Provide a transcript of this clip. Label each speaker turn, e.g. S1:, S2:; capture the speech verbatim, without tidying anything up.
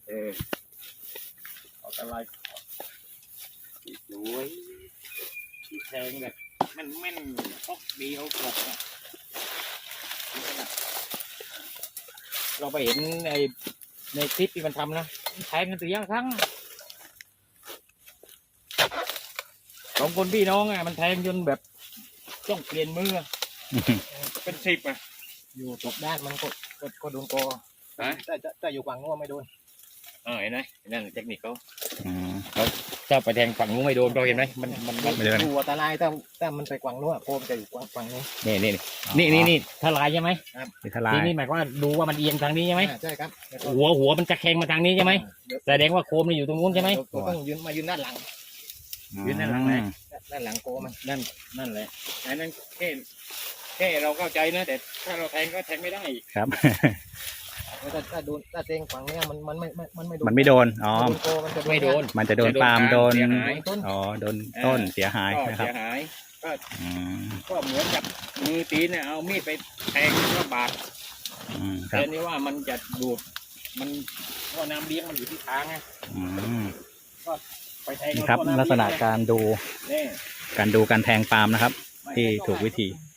S1: เออเอาอะไรสวยที่แทงแบบมันแม่นปอกเดียวกรอบอ่ะเราไปเห็นในในคลิปที่มันทำนะแทงกันตัวยังครั้งสองคนพี่น้องอ่ะมันแทงจนแบบต้องเปลี่ยนมือเป็นสิบอ่ะอยู่ตกด้านมันก็ก็ก็โดนกอแต่จะจะอยู่ฝั่งนู้นไม่โดนเออเห็นไหมนั่นเทคนิคเขาเขาถ้าไปแทงฝั่งนู้นไม่โดนเราเห็นไหมมันมันมันดูอันตรายถ้าถ้ามันไปฝั่งนู้นโคมจะอยู่ฝั่งนี้นี่นี่นี่นี่นี่ทลายใช่ไหมครับทลายนี่หมายความว่าดูว่ามันเอียงทางนี้ใช่ไหมใช่ครับหัวหัวมันจะแข็งมาทางนี้ใช่ไหมแสดงว่าโคมมันอยู่ตรงนู้นใช่ไหมต้องยืนมายืนด้านหลังยืนด้านหลังไหนด้านหลังโกมันนั่นนั่นแหละอันนั้นแค่แค่เราเข้าใจนะแต่ถ้าเราแทงก็แทงไม่ได้ครับถ้าถ้าโดนถ้าแทงฝั่งนี้มันมันไม่มันไม่โดนมันไม่โดนอ๋อมันจะไม่โดนมันจะโดนปาล์มโดนอ๋อโดนต้นเสียหายนะครับเสียหายก็ก็เหมือนกับมือตีนเนี่ยเอามีดไปแทงก็บาดแต่นี่ว่ามันจะดูดมันว่าน้ำเลี้ยงมันอยู่ที่ทางไงก็ไปแทงครับลักษณะการดูการดูการแทงปาล์มนะครับที่ถูกวิธี